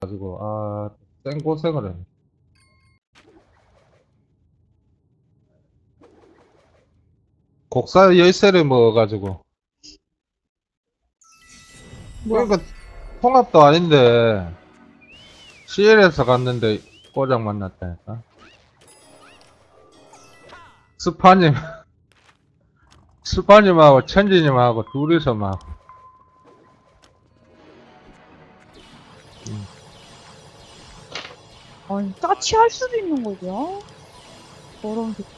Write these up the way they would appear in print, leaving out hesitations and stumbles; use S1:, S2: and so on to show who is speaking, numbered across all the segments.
S1: 가지고 생 고생을 했네. 곡사 열쇠를 먹어가지고
S2: 뭐야?
S1: 그러니까 통합도 아닌데 CL에서 갔는데 고장 만났다니까. 스파님 스파님하고 천지님하고 둘이서 막
S2: 아니, 짜치할 수도 있는 거죠? 저런 새끼.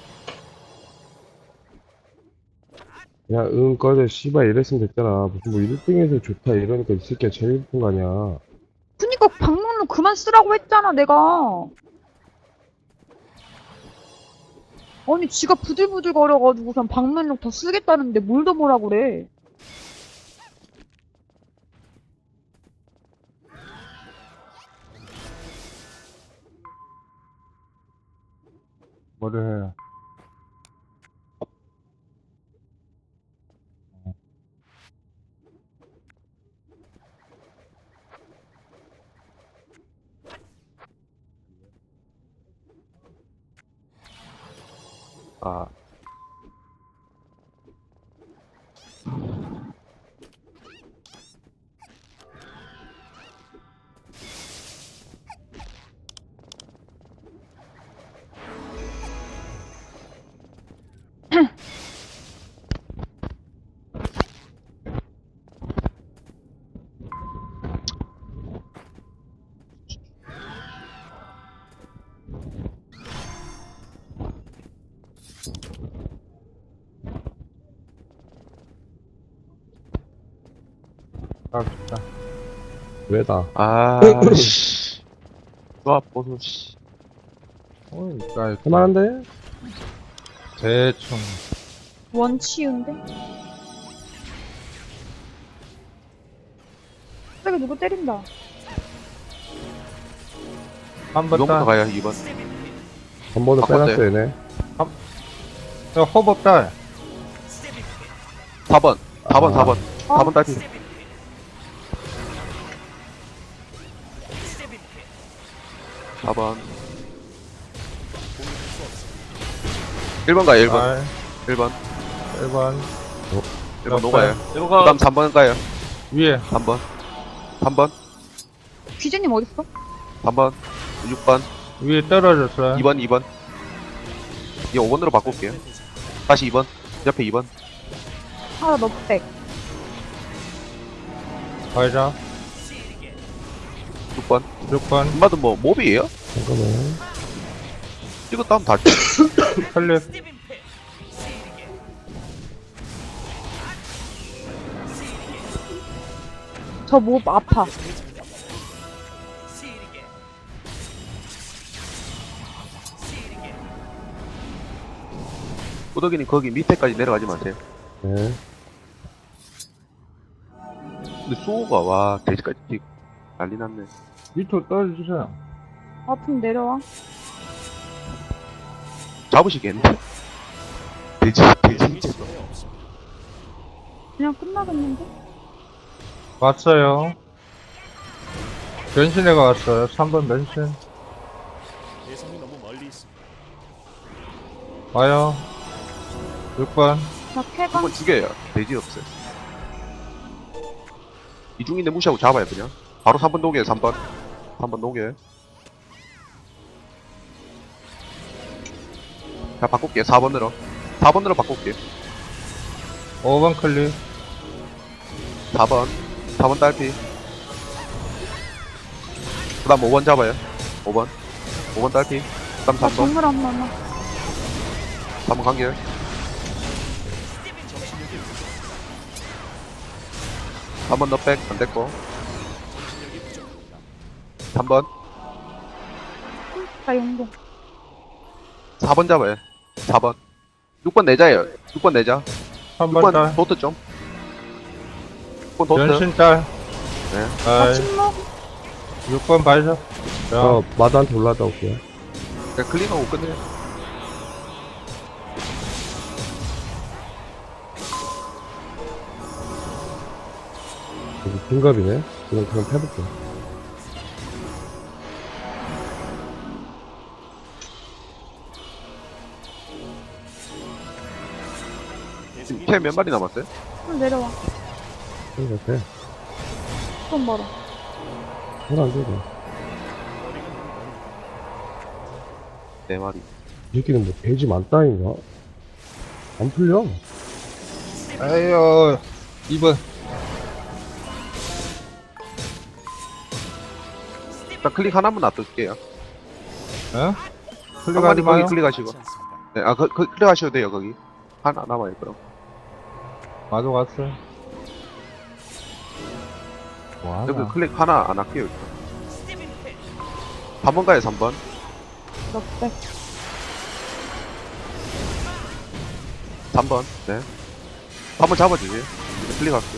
S3: 야, 응, 꺼져, 씨발, 이랬으면 됐잖아. 무슨 뭐 1등에서 좋다, 이러니까 이 새끼가 제일 예쁜 거 아니야.
S2: 그니까 방문로 그만 쓰라고 했잖아, 내가. 아니, 지가 부들부들 거려가지고선 방문록 더 쓰겠다는데 뭘 더 뭐라 그래.
S1: 뭐를 해요.
S3: 아,
S1: 갑시다.
S3: 왜다.
S4: 씨. 또 아파서, 씨.
S1: 그러니까
S3: 할만한데?
S1: 대충
S2: 원치인데? 갑자기 누구 때린다.
S1: 한번
S4: 2번부터
S1: 딸.
S4: 가요, 2번.
S3: 한 번은
S4: 바꿨대.
S3: 빼놨어, 얘네.
S1: 호법 딸.
S4: 4번. 4번, 4번.
S2: 어?
S4: 4번 딸피. 4번. 1번 가요, 1번.
S1: 딸.
S4: 1번.
S1: 1번
S4: 1번 녹아요. 그
S1: 이거
S4: 다음 3번 가요.
S1: 위에
S4: 3번. 3번.
S2: 귀재님 어딨어?
S4: 3번. 6번.
S1: 위에 떨어졌어요.
S4: 2번, 2번. 이제 5번으로 바꿀게요. 다시 2번. 옆에 2번.
S2: 하나 너 백.
S1: 가자.
S4: 6번.
S1: 6번
S4: 엄마도 뭐, 몹이에요?
S3: 잠깐만.
S4: 이거 다음 다,
S1: 클립.
S2: 저 목 아파.
S4: 꾸덕이님 거기 밑에까지 내려가지 마세요.
S3: 네.
S4: 근데 수호가, 와, 돼지까지 난리 났네.
S1: 밑으로 떨어지세요.
S2: 아프면 내려와.
S4: 잡으시겠는데? 돼지.
S2: 그냥 끝나겠는데?
S1: 왔어요. 변신해가 왔어요. 3번 변신.
S5: 대상이 너무 멀리 있습니다.
S1: 와요. 6번.
S2: 나 쾌감.
S4: 한번 죽여요. 돼지 없어요. 이중인데 무시하고 잡아요, 그냥. 바로 3번 녹여요, 3번. 3번 녹여요. 자, 바꿀게요, 4번으로. 4번으로 바꿀게요.
S1: 5번 클립.
S4: 4번. 4번 딸피. 그 다음 5번 잡아요. 5번. 5번 딸피. 그 다음
S2: 나
S4: 3번.
S2: 정글 안 남아.
S4: 3번 간결. 3번 너백 안 됐고. 3번.
S2: 나 용동.
S4: 4번 잡아요. 4번. 6번 내자예요. 6번 내자.
S1: 3번
S4: 6번
S1: 딸.
S4: 도트 좀. 6번 도트.
S1: 변신 딸.
S4: 네.
S2: 나
S1: 아이,
S2: 침묵.
S1: 6번 발사.
S3: 저
S1: 자,
S3: 마드한테 올라갔다 올게요.
S4: 그냥 클릭하고 끝내요.
S3: 여기 빈갑이네. 그냥 패볼게.
S4: 지금 캐 몇 마리 남았어요?
S2: 좀 내려와.
S3: 그런 것 같아.
S2: 좀 멀어.
S3: 손안 되고.
S4: 네 마리.
S3: 이 새끼는 뭐 돼지 많다인가? 안 풀려.
S1: 아유 2번
S4: 일단 클릭 하나만 놔둘게요.
S1: 어?
S4: 한
S1: 클릭하지
S4: 마리 거기
S1: 마요
S4: 클릭하시고.
S5: 않지 않습니다.
S4: 네, 아, 클릭하셔도 돼요, 거기. 하나 남아요, 그럼.
S1: 마저 갔어
S4: 여기
S1: 뭐하나
S4: 클릭 하나 안 할게요, 일단. 3번 가요, 3번.
S2: 넉백.
S4: 3번, 네. 3번 잡아주세요. 이제 클릭할게요.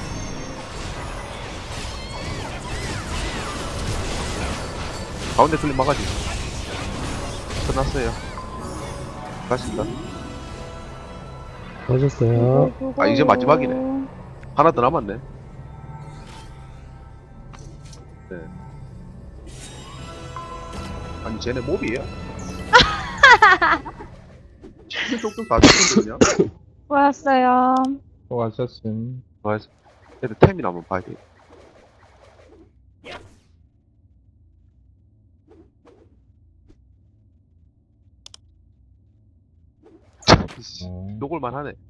S4: 가운데 클릭 막아주세요. 끝났어요. 가십니다.
S3: 맞았어요.
S4: 아, 이제 마지막이네. 하나 더 남았네. 네. 아니, 쟤네 몹이에요? 쪽쪽 다 죽거든요.
S2: 수고하셨어요.
S1: 또 왔었음
S4: 맞아. 얘들 템이나 한번 봐야 돼.
S1: 어.
S4: 녹을만 하네.